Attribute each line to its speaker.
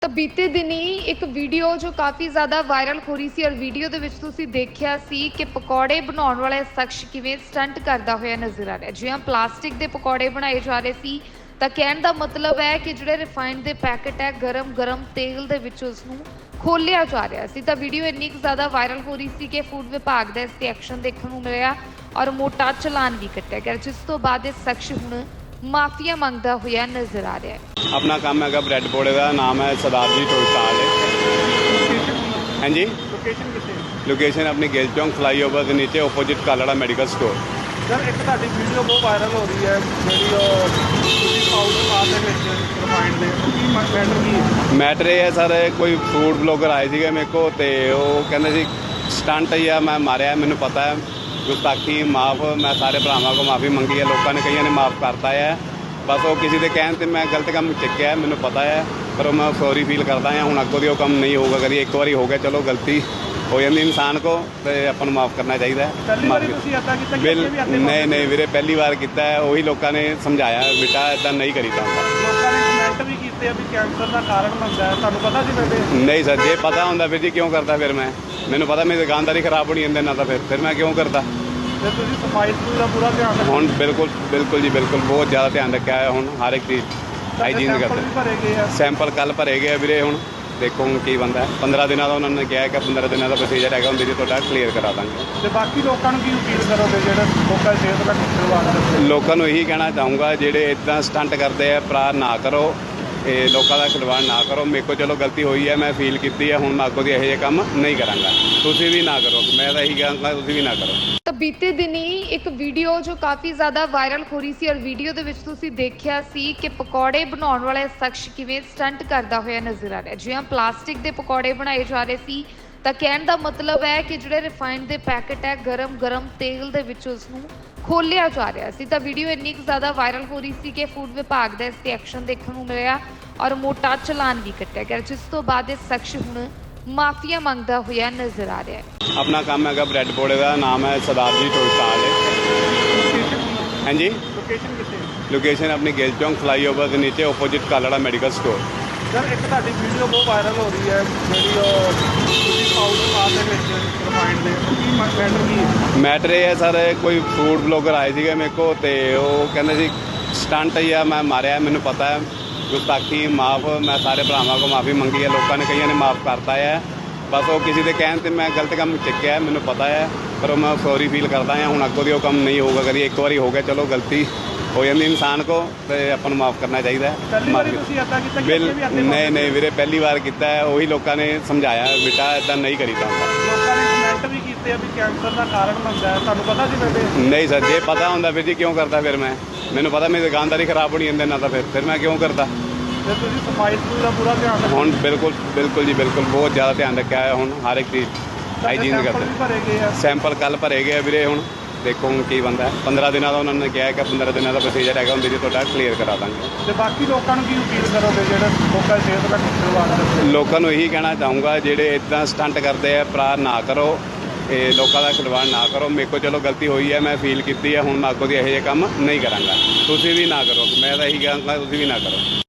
Speaker 1: ਤਾਂ ਬੀਤੇ ਦਿਨੀ ਇੱਕ ਵੀਡੀਓ ਜੋ ਕਾਫੀ ਜ਼ਿਆਦਾ ਵਾਇਰਲ ਹੋ ਰਹੀ ਸੀ ਔਰ ਵੀਡੀਓ ਦੇ ਵਿੱਚ ਤੁਸੀਂ ਦੇਖਿਆ ਸੀ ਕਿ ਪਕੌੜੇ ਬਣਾਉਣ ਵਾਲਾ ਸ਼ਖਸ ਕਿਵੇਂ ਸਟੰਟ ਕਰਦਾ ਹੋਇਆ ਨਜ਼ਰ ਆ ਰਿਹਾ। ਜਿਵੇਂ ਪਲਾਸਟਿਕ ਦੇ ਪਕੌੜੇ ਬਣਾਏ ਜਾ ਰਹੇ ਸੀ ਤਾਂ ਕਹਿਣ ਦਾ ਮਤਲਬ ਹੈ ਕਿ ਜਿਹੜੇ ਰਿਫਾਈਨਡ ਦੇ ਪੈਕਟ ਹੈ ਗਰਮ ਤੇਲ ਦੇ ਵਿੱਚ ਉਸ ਨੂੰ ਖੋਲਿਆ ਜਾ ਰਿਹਾ ਸੀ। ਤਾਂ ਵੀਡੀਓ ਇੰਨੀ ਕੁ ਜ਼ਿਆਦਾ ਵਾਇਰਲ ਹੋ ਰਹੀ ਸੀ ਕਿ ਫੂਡ ਵਿਭਾਗ ਦਾ ਇਸ ਤੇ ਐਕਸ਼ਨ ਦੇਖਣ ਨੂੰ ਮਿਲਿਆ ਔਰ ਮੋਟਾ ਚਲਾਨ ਵੀ ਕੱਟਿਆ ਗਿਆ, ਜਿਸ ਤੋਂ ਬਾਅਦ ਇਹ ਸ਼ਖਸ ਹੁਣ ਮਾਫੀਆ ਮੰਗਦਾ ਹੋਇਆ ਨਜ਼ਰ ਆ ਰਿਹਾ ਹੈ।
Speaker 2: अपना काम है ब्रैड पकौड़े का नाम है सरदार जी टोल स्टाल हाँ जी।
Speaker 3: ਲੋਕੇਸ਼ਨ ਕਿੱਥੇ
Speaker 2: लोकेशन अपनी गिल चौंक फ्लाई ओवर के नीचे opposite Kalra medical store.
Speaker 3: Sir ਇੱਕ ਤੁਹਾਡੀ ਵੀਡੀਓ ਬਹੁਤ ਵਾਇਰਲ ਹੋ ਰਹੀ ਹੈ ਜਿਹੜੀ ਉਹ ਤੁਸੀਂ ਪਾਊਡਰ ਪਾ ਦੇ ਵਿੱਚ ਰਿਫਾਈਨਡ ਦੇ ਕੀ ਮੈਟਰ ਕੀ ਹੈ?
Speaker 2: मैटर ये है सर कोई फूड ब्लॉगर आए थे मेरे को तो वो कहते सी स्टंट ही है मैं मारिया मैनू पता है गुस्ताखी माफ़ मैं सारे भरावां को माफ़ी मंगी है लोगों ने कई ने माफ़ करता है बस वो किसी के कहने ते मैं गलत काम चुक्या मैनू पता है पर मैं सॉरी फील करता हाँ हूँ अगों वो काम नहीं होगा कभी एक बार हो गया चलो गलती हो जाती इंसान को तो अपन ਨੂੰ माफ़ करना चाहिए।
Speaker 3: ਪਹਿਲੀ ਵਾਰੀ ਤੁਸੀਂ ਇੱਦਾਂ ਕੀਤਾ ਕਿ ਅੱਗੇ ਵੀ ਅੱਗੇ
Speaker 2: नहीं ਵੀਰੇ ਪਹਿਲੀ ਵਾਰ ਕੀਤਾ है वही लोगों ने समझाया बेटा इदा नहीं करीदा
Speaker 3: ਲੋਕਾਂ ਨੇ ਕਮੈਂਟ ਵੀ ਕੀਤੇ ਆ ਵੀ ਕੈਂਸਰ ਦਾ ਕਾਰਨ ਬਣਦਾ ਹੈ, ਤੁਹਾਨੂੰ ਪਤਾ ਸੀ ਪਹਿਲੇ?
Speaker 2: नहीं सर जे पता होंगे फिर जी क्यों करता फिर मैं मैनू पता मेरी दुकानदारी खराब होनी जाती ना तो फिर मैं क्यों करता।
Speaker 3: ਤੇ ਤੁਸੀਂ ਸਫਾਈ ਸਫੂਈ ਦਾ ਪੂਰਾ ਧਿਆਨ ਰੱਖੋ।
Speaker 2: ਹੁਣ ਬਿਲਕੁਲ ਜੀ ਬਿਲਕੁਲ ਬਹੁਤ ਜ਼ਿਆਦਾ ਧਿਆਨ ਰੱਖਿਆ ਹੈ ਹੁਣ ਹਰ ਇੱਕ ਚੀਜ਼ ਹਾਈਜੀਨ
Speaker 3: ਸੈਂਪਲ
Speaker 2: ਕਰਦੇ
Speaker 3: ਵੀ ਭਰੇ ਗਏ ਆ।
Speaker 2: ਸੈਂਪਲ ਕੱਲ ਭਰੇ ਗਏ ਆ ਵੀਰੇ ਹੁਣ ਦੇਖੋ ਹੁਣ ਕੀ ਬੰਦਾ 15 ਦਿਨਾਂ ਦਾ ਉਹਨਾਂ ਨੇ ਕਿਹਾ ਕਿ 15 ਦਿਨਾਂ ਦਾ ਪ੍ਰੋਸੀਜਰ ਹੈਗਾ ਹੁੰਦੀ ਜੀ ਤੁਹਾਡਾ ਕਲੀਅਰ ਕਰਾ ਦਾਂਗੇ।
Speaker 3: ਤੇ ਬਾਕੀ ਲੋਕਾਂ ਨੂੰ ਕੀ ਅਪੀਲ ਕਰੋਗੇ ਜਿਹੜੇ ਲੋਕਾਂ ਦੀ ਸਿਹਤ ਦਾ ਖਿਲਵਾੜ ਕਰਦੇ?
Speaker 2: ਲੋਕਾਂ ਨੂੰ ਇਹੀ ਕਹਿਣਾ ਚਾਹੂੰਗਾ ਜਿਹੜੇ ਇਦਾਂ ਸਟੰਟ ਕਰਦੇ ਆ ਭਰਾ ਨਾ ਕਰੋ ਇਹ ਲੋਕਾਂ ਦਾ ਖਿਲਵਾੜ ਨਾ ਕਰੋ। ਮੇਰੇ ਕੋਲ ਚਲੋ ਗਲਤੀ ਹੋਈ ਹੈ ਮੈਂ ਫੀਲ ਕੀਤੀ ਹੈ ਹੁਣ ਮੈਂ ਅੱਗੋਂ ਦੀ ਇਹੋ ਜਿਹੇ ਕੰਮ ਨਹੀਂ ਕਰਾਂਗਾ ਤੁਸੀਂ ਵੀ ਨਾ ਕਰੋ ਮੈਂ ਤਾਂ ਇਹੀ ਕਹਾਂਗਾ ਤੁਸੀਂ ਵੀ ਨਾ ਕਰੋ।
Speaker 1: ਤਾਂ ਬੀਤੇ ਦਿਨੀ ਇੱਕ ਵੀਡੀਓ ਜੋ ਕਾਫੀ ਜ਼ਿਆਦਾ ਵਾਇਰਲ ਹੋ ਰਹੀ ਸੀ ਔਰ ਵੀਡੀਓ ਦੇ ਵਿੱਚ ਤੁਸੀਂ ਦੇਖਿਆ ਸੀ ਕਿ ਪਕੌੜੇ ਬਣਾਉਣ ਵਾਲਾ ਸ਼ਖਸ ਕਿਵੇਂ ਸਟੰਟ ਕਰਦਾ ਹੋਇਆ ਨਜ਼ਰ ਆ ਰਿਹਾ। ਜਿਵੇਂ ਪਲਾਸਟਿਕ ਦੇ ਪਕੌੜੇ ਬਣਾਏ ਜਾ ਰਹੇ ਸੀ ਤਾਂ ਕਹਿਣ ਦਾ ਮਤਲਬ ਹੈ ਕਿ ਜਿਹੜੇ ਰਿਫਾਈਨਡ ਦੇ ਪੈਕਟ ਹੈ ਗਰਮ ਤੇਲ ਦੇ ਵਿੱਚ ਉਸ ਨੂੰ ਖੋਲਿਆ ਜਾ ਰਿਹਾ ਸੀ। ਤਾਂ ਵੀਡੀਓ ਇੰਨੀ ਕੁ ਜ਼ਿਆਦਾ ਵਾਇਰਲ ਹੋ ਰਹੀ ਸੀ ਕਿ ਫੂਡ ਵਿਭਾਗ ਦਾ ਇਸ ਤੇ ਐਕਸ਼ਨ ਦੇਖਣ ਨੂੰ ਮਿਲਿਆ ਔਰ ਮੋਟਾ ਚਲਾਨ ਵੀ ਕੱਟਿਆ ਗਿਆ, ਜਿਸ ਤੋਂ ਬਾਅਦ ਇਹ ਸ਼ਖਸ ਹੁਣ ਮਾਫੀਆ ਮੰਗਦਾ ਹੋਇਆ ਨਜ਼ਰ ਆ ਰਿਹਾ ਹੈ।
Speaker 2: ਆਪਣਾ ਕੰਮ ਹੈ ब्रैड पकौड़े का नाम है सरदार जी टोल स्टाल हाँ जी।
Speaker 3: ਲੋਕੇਸ਼ਨ ਕਿੱਥੇ?
Speaker 2: लोकेशन अपनी गिल चौंक फ्लाई ओवर के नीचे opposite Kalra medical store.
Speaker 3: Sir ਇੱਕ ਤੁਹਾਡੀ ਵੀਡੀਓ ਬਹੁਤ ਵਾਇਰਲ ਹੋ ਰਹੀ ਹੈ ਜਿਹੜੀ ਉਹ ਤੁਸੀਂ ਪਾਊਡਰ ਪਾ ਦੇ ਵਿੱਚ ਰਿਫਾਈਨਡ ਦੇ ਕੀ ਮੈਟਰ ਕੀ ਹੈ?
Speaker 2: मैटर ये है सर कोई फूड ब्लॉगर आए थे मेरे को तो वो कहते सी स्टंट ही है मैं मारिया मैनू पता है गुस्ताखी माफ़ मैं सारे भरावां को माफ़ी मंगी है लोगों ने कई ने माफ़ करता है बस वो किसी के कहने ते मैं गलत काम चुक्या मैनू पता है पर मैं सॉरी फील करता हाँ हूँ अगों वो काम नहीं होगा कभी एक बार हो गया चलो गलती हो जाती इंसान को तो अपन माफ़ करना चाहिए।
Speaker 3: ਪਹਿਲੀ ਵਾਰੀ ਤੁਸੀਂ ਇੱਦਾਂ ਕੀਤਾ ਕਿ ਅੱਗੇ ਵੀ ਅੱਗੇ
Speaker 2: नहीं ਵੀਰੇ ਪਹਿਲੀ ਵਾਰ ਕੀਤਾ है वही लोगों ने समझाया बेटा इदा नहीं करीदा
Speaker 3: ਲੋਕਾਂ ਨੇ ਕਮੈਂਟ ਵੀ ਕੀਤੇ ਆ ਵੀ ਕੈਂਸਰ ਦਾ ਕਾਰਨ ਬਣਦਾ ਹੈ, ਤੁਹਾਨੂੰ ਪਤਾ ਸੀ ਪਹਿਲੇ?
Speaker 2: नहीं सर जे पता होंगे फिर जी क्यों करता फिर मैं मैनू पता मेरी दुकानदारी खराब होनी जाती ना तो फिर मैं क्यों करता।
Speaker 3: ਤੇ ਤੁਸੀਂ ਸਫਾਈ ਸਫੂਈ ਦਾ ਪੂਰਾ ਧਿਆਨ ਰੱਖੋ।
Speaker 2: ਹੁਣ ਬਿਲਕੁਲ ਜੀ ਬਿਲਕੁਲ ਬਹੁਤ ਜ਼ਿਆਦਾ ਧਿਆਨ ਰੱਖਿਆ ਹੈ ਹੁਣ ਹਰ ਇੱਕ ਚੀਜ਼ ਹਾਈਜੀਨ
Speaker 3: ਸੈਂਪਲ
Speaker 2: ਕਰਦੇ
Speaker 3: ਵੀ ਭਰੇ ਗਏ ਆ।
Speaker 2: ਸੈਂਪਲ ਕੱਲ ਭਰੇ ਗਏ ਆ ਵੀਰੇ ਹੁਣ ਦੇਖੋ ਹੁਣ ਕੀ ਬੰਦਾ 15 ਦਿਨਾਂ ਦਾ ਉਹਨਾਂ ਨੇ ਕਿਹਾ ਕਿ 15 ਦਿਨਾਂ ਦਾ ਪ੍ਰੋਸੀਜਰ ਹੈਗਾ ਹੁੰਦੀ ਜੀ ਤੁਹਾਡਾ ਕਲੀਅਰ ਕਰਾ ਦਾਂਗੇ।
Speaker 3: ਤੇ ਬਾਕੀ ਲੋਕਾਂ ਨੂੰ ਕੀ ਅਪੀਲ ਕਰੋਗੇ ਜਿਹੜੇ ਲੋਕਾਂ ਦੀ ਸਿਹਤ ਦਾ ਖਿਲਵਾੜ ਕਰਦੇ?
Speaker 2: ਲੋਕਾਂ ਨੂੰ ਇਹੀ ਕਹਿਣਾ ਚਾਹੂੰਗਾ ਜਿਹੜੇ ਇਦਾਂ ਸਟੰਟ ਕਰਦੇ ਆ ਭਰਾ ਨਾ ਕਰੋ ਇਹ ਲੋਕਾਂ ਦਾ ਖਿਲਵਾੜ ਨਾ ਕਰੋ। ਮੇਰੇ ਕੋਲ ਚਲੋ ਗਲਤੀ ਹੋਈ ਹੈ ਮੈਂ ਫੀਲ ਕੀਤੀ ਹੈ ਹੁਣ ਮੈਂ ਅੱਗੋਂ ਦੀ ਇਹੋ ਜਿਹੇ ਕੰਮ ਨਹੀਂ ਕਰਾਂਗਾ ਤੁਸੀਂ ਵੀ ਨਾ ਕਰੋ ਮੈਂ ਤਾਂ ਇਹੀ ਕਹਾਂਗਾ ਤੁਸੀਂ ਵੀ ਨਾ ਕਰੋ।